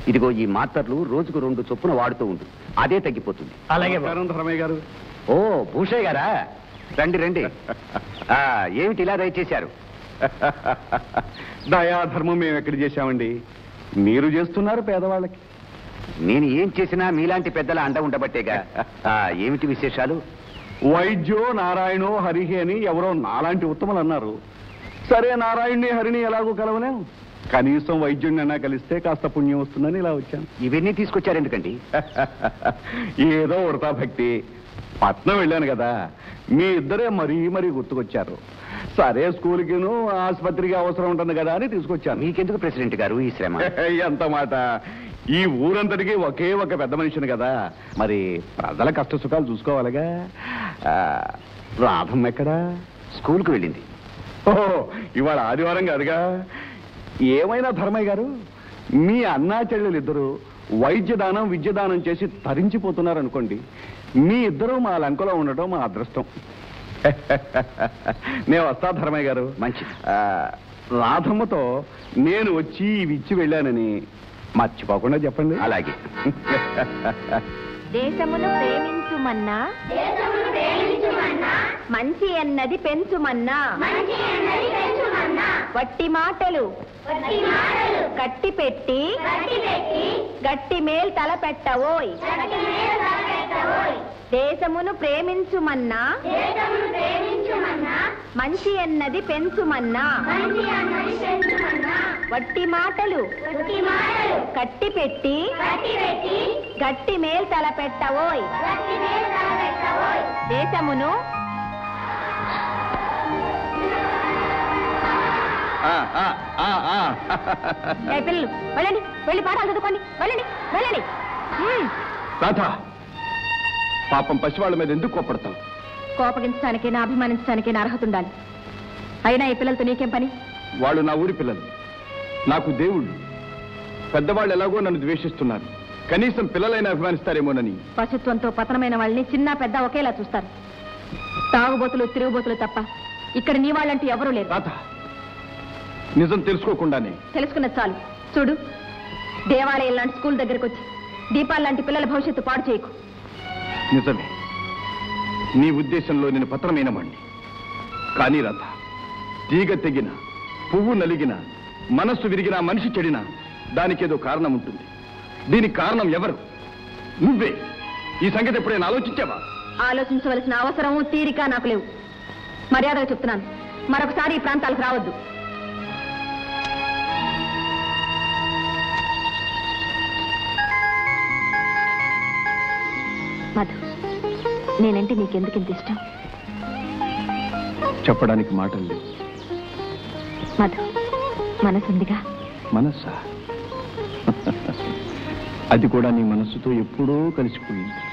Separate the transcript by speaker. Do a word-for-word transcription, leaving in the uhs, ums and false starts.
Speaker 1: ఇదిగో ఈ మాత్రలు రోజుకు రెండు చొప్పున వాడుతూ ఉండు, అదే తగ్గిపోతుంది.
Speaker 2: అలాగే ధర్మయ్య గారు.
Speaker 1: ఓ భూషయ్య గారా, రండి రండి. ఏమిటి ఇలా దయచేశారు?
Speaker 2: దయాధర్మం మేము ఎక్కడ చేశామండి, మీరు చేస్తున్నారు పేదవాళ్ళకి.
Speaker 1: నేను ఏం చేసినా మీలాంటి పెద్దల అండ ఉండబట్టేగా. ఏమిటి విశేషాలు?
Speaker 2: వైద్యో నారాయణో హరిహి అని ఎవరో నాలాంటి ఉత్తములు అన్నారు. సరే, నారాయణ్ణి హరిని ఎలాగో కలవలేం, కనీసం వైద్యుడినైనా కలిస్తే కాస్త పుణ్యం వస్తుందని ఇలా వచ్చాను.
Speaker 1: ఇవన్నీ తీసుకొచ్చారు ఎందుకండి?
Speaker 2: ఏదో ఉడతా భక్తి. పట్నం వెళ్ళాను కదా, మీ ఇద్దరే మరీ మరీ గుర్తుకొచ్చారు. సరే, స్కూల్కిను ఆసుపత్రికి అవసరం ఉంటుంది కదా అని తీసుకొచ్చాను.
Speaker 1: మీకెందుకు ప్రెసిడెంట్ గారు ఈ శ్రమ?
Speaker 2: ఎంత మాట! ఈ ఊరంతటికి ఒకే ఒక పెద్ద మనిషిని కదా, మరి ప్రజల కష్ట సుఖాలు చూసుకోవాలిగా. రాధమ్మ ఎక్కడా?
Speaker 1: స్కూల్కి వెళ్ళింది.
Speaker 2: ఓహో, ఇవాళ ఆదివారం కాదుగా. ఏమైనా ధర్మయ్య గారు, మీ అన్నా చెల్లెలు ఇద్దరు వైద్యదానం విద్యదానం చేసి తరించిపోతున్నారు అనుకోండి. మీ ఇద్దరు మా లంకలో ఉండటం మా అదృష్టం. నేను వస్తా ధర్మయ్య గారు.
Speaker 1: మంచి.
Speaker 2: రాధమ్మతో నేను వచ్చి ఇవి ఇచ్చి వెళ్ళానని మర్చిపోకుండా చెప్పండి.
Speaker 1: అలాగే.
Speaker 3: దేశమును ప్రేమించుమన్నా, మంచి అన్నది పెంచుమన్నా, వట్టి మాటలు కట్టి పెట్టి గట్టి మేల్ తల పెట్టవోయ్. దేశమును ప్రేమించుమన్నా, మంచి అన్నది పెంచుమన్నా, వట్టి మాటలు కట్టి పెట్టి గట్టి మేల్ తల పెట్టవోయ్. దేశమును పిల్లలు వెళ్ళండి, వెళ్ళి పాఠాలు చదువుకోండి, వెళ్ళండి వెళ్ళండి.
Speaker 2: రాధా, పాపం పసివాళ్ళ మీద ఎందుకు కోపడతావు?
Speaker 3: కోపగించడానికి నా అభిమానించడానికి నా అర్హత ఉండాలి. అయినా ఈ పిల్లలతో నీకేం పని?
Speaker 2: వాళ్ళు నా ఊరి పిల్లలు, నాకు దేవుళ్ళు. పెద్దవాళ్ళు ఎలాగో నన్ను ద్వేషిస్తున్నారు, కనీసం పిల్లలైనా అభిమానిస్తారేమోనని.
Speaker 3: పశుత్వంతో పతనమైన వాళ్ళని చిన్న పెద్ద ఒకేలా చూస్తారు. తాగుబోతులు తిరుగుబోతులు తప్ప ఇక్కడ నీ వాళ్ళంటూ ఎవరూ లేరు.
Speaker 2: రాధా, నిజం తెలుసుకోకుండానే.
Speaker 3: తెలుసుకున్నది చాలు. చూడు, దేవాలయం లాంటి స్కూల్ దగ్గరకు వచ్చి దీపాలు లాంటి పిల్లల భవిష్యత్తు పాడు చేయకు.
Speaker 2: నిజమే, నీ ఉద్దేశంలో నేను పత్రమైన వాణ్ణి. కానీ రాధ, తీగ తెగిన, పువ్వు నలిగిన, మనస్సు విరిగిన, మనిషి చెడిన దానికేదో కారణం ఉంటుంది. దీనికి కారణం ఎవరు? నువ్వే. ఈ సంగతి ఎప్పుడైనా ఆలోచించావా?
Speaker 3: ఆలోచించవలసిన అవసరము తీరిక నాకు లేవు. మర్యాదగా చెప్తున్నాను, మరొకసారి ఈ ప్రాంతాలకు రావద్దు. మధు, నేనంటే నీకెందుకు ఇంత ఇష్టం?
Speaker 2: చెప్పడానికి మాటలు లేవు.
Speaker 3: మధు, మనసుందిగా.
Speaker 2: మనస్సా? అది కూడా నీ మనస్సుతో ఎప్పుడూ కలిసిపోయింది.